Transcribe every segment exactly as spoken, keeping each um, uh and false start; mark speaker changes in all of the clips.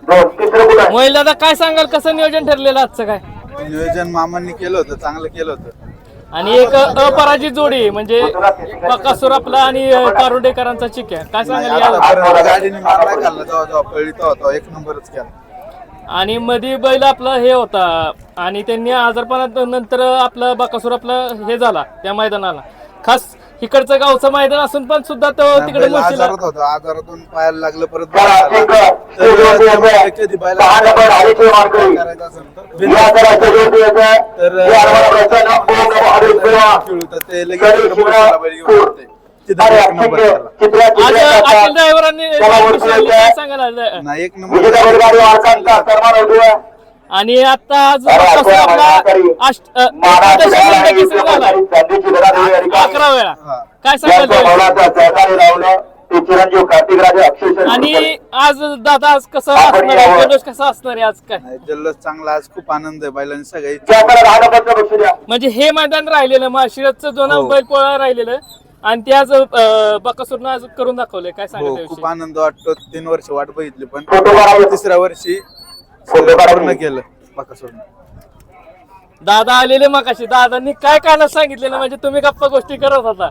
Speaker 1: मोहिल दादा काय सांगाल, कसं नियोजन ठरलेलं आजचं? काय
Speaker 2: नियोजन मामांनी केलं होतं, चांगलं केलं होतं.
Speaker 1: आणि एक अपराजित जोडी म्हणजे बकासूर आपला आणि कारुंडेकरांचा चिक्या, काय सांगाल या?
Speaker 2: गाडीने मार नाही खाल्ला, जेव्हा जेव्हा पळली तेव्हा एक नंबरच केला.
Speaker 1: आणि मध्ये बैल आपला हे होता आणि त्यांनी आजारपणात नंतर आपलं बकासूर आपलं हे झाला त्या मैदानाला. खास इकडचं गावचं मैदान असून पण सुद्धा तो तिकडे
Speaker 2: आजारात होता, आजारातून पायाला लागलं परत.
Speaker 1: आणि आता आज अकरा वेळा काय सांगाल? आणि आज दादा आज कसं असणार आहे, जल्लोष कसा असणार आहे आज? काय
Speaker 2: जल्लोष चांगला, आज खूप आनंद आहे बैलांनी सगळे.
Speaker 1: म्हणजे हे मैदान राहिलेलं माशिरतचं दोन बैल पोळा राहिलेलं आणि ते आज बकासूरनं आज करून दाखवलंय. काय सांगाल?
Speaker 2: खूप आनंद वाटतो. तीन वर्ष वाट बघितली पण तिसऱ्या वर्षी पूर्ण केलं बकासूरनं.
Speaker 1: दादा आलेले मगाशी, दादांनी काय कारण सांगितलेलं म्हणजे तुम्ही गप्पा गोष्टी करत होता.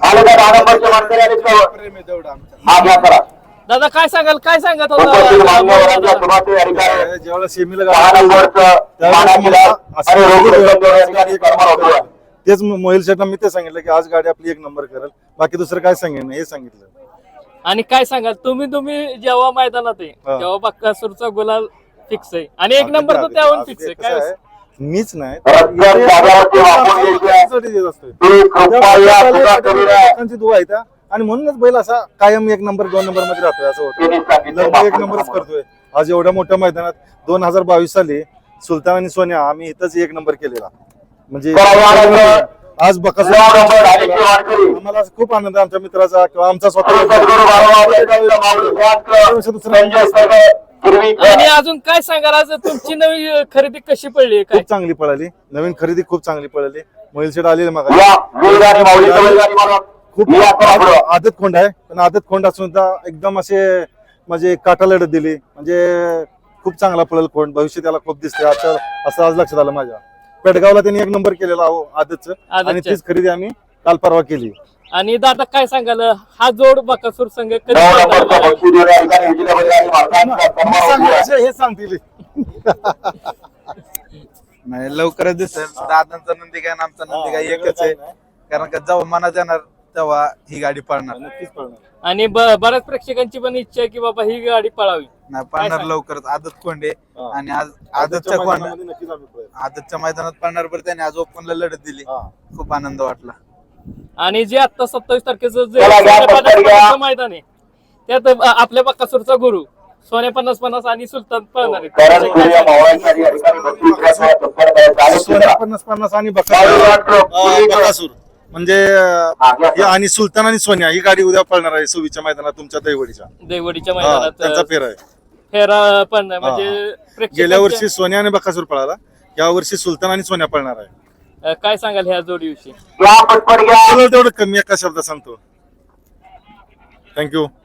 Speaker 1: दादा काय सांगाल, काय सांगत होता?
Speaker 3: जेव्हा सेमीला तेच मोहिल शेटला मी ते सांगितलं की आज गाडी आपली एक नंबर करेल, बाकी दुसरं काय सांगेन हे सांगितलं.
Speaker 1: आणि काय सांगाल तुम्ही तुम्ही जेव्हा मैदानात आहे तेव्हा बकासूरचा गुलाल फिक्स आहे आणि एक नंबर तर त्याहून फिक्स आहे. काय
Speaker 3: मीच नाही दुवा आहे त्या, आणि म्हणूनच बैल असा कायम एक नंबर दोन नंबर मध्ये राहतोय असं होतं. एक नंबरच करतोय. आज एवढ्या मोठ्या मैदानात दोन हजार बावीस साली सुलतान आणि सोन्या आम्ही इथंच एक नंबर केलेला. म्हणजे आज बकासूर आम्हाला खूप आनंद आहे आमच्या मित्राचा किंवा आमचा स्वतः.
Speaker 1: आणि अजून काय सांगाल, आज तुमची नवी खरेदी कशी पडली?
Speaker 3: खूप चांगली पळाली, नवीन खरेदी खूप चांगली पळाली. मोहिल शेट आलेले मग खूप आदत खोंड आहे, पण आदत खोंड असून एकदम असे म्हणजे काटा लढत दिली. म्हणजे खूप चांगला पळेल खोंड, भविष्य त्याला खूप दिसते आता असं आज लक्षात आलं माझ्या. पेडगावला त्यांनी एक नंबर केलेला हो आदतचं, आणि तीच खरेदी आम्ही काल परवा केली.
Speaker 1: आणि दादा काय सांगाल, हा जोड बकासूर संघ कधी
Speaker 3: हे सांगतील
Speaker 2: नाही लवकरच दिसेल. दादांचा नंदी काय आणि आमचा नंदी काय एकच आहे, कारण का जेव्हा मनात येणार तेव्हा ही गाडी पळणार.
Speaker 3: नक्कीच पळणार.
Speaker 1: आणि बऱ्याच प्रेक्षकांची पण इच्छा आहे की बाबा ही गाडी पळावी.
Speaker 2: नाही पळणार लवकरच. आदत कोंडे आणि आज आदतच्या कोण आदतच्या मैदानात पळणार, बरं त्याने आज ओपनला लढत दिली, खूप आनंद वाटला.
Speaker 1: आणि जे आता सत्तावीस तारखेचं जे मैदान आहे त्यात आपल्या बकासूरचा गुरु सोन्या पन्नास पन्नास आणि सुलतान पळणार
Speaker 3: पन्नास पन्नास आणि बकासूर म्हणजे आणि सुलतान आणि सोन्या ही गाडी उद्या पळणार आहे सव्वीसच्या मैदानात तुमच्या दैवडीच्या
Speaker 1: दैवडीच्या मैदानात
Speaker 3: त्यांचा फेरा आहे.
Speaker 1: फेरा पण म्हणजे
Speaker 3: गेल्या वर्षी सोन्या आणि बकासूर पळाला, या वर्षी सुलतान आणि सोन्या पळणार आहे.
Speaker 1: काय सांगाल ह्या जोडीविषयी?
Speaker 3: तेवढं कमी एका शब्दात सांगतो. थँक्यू.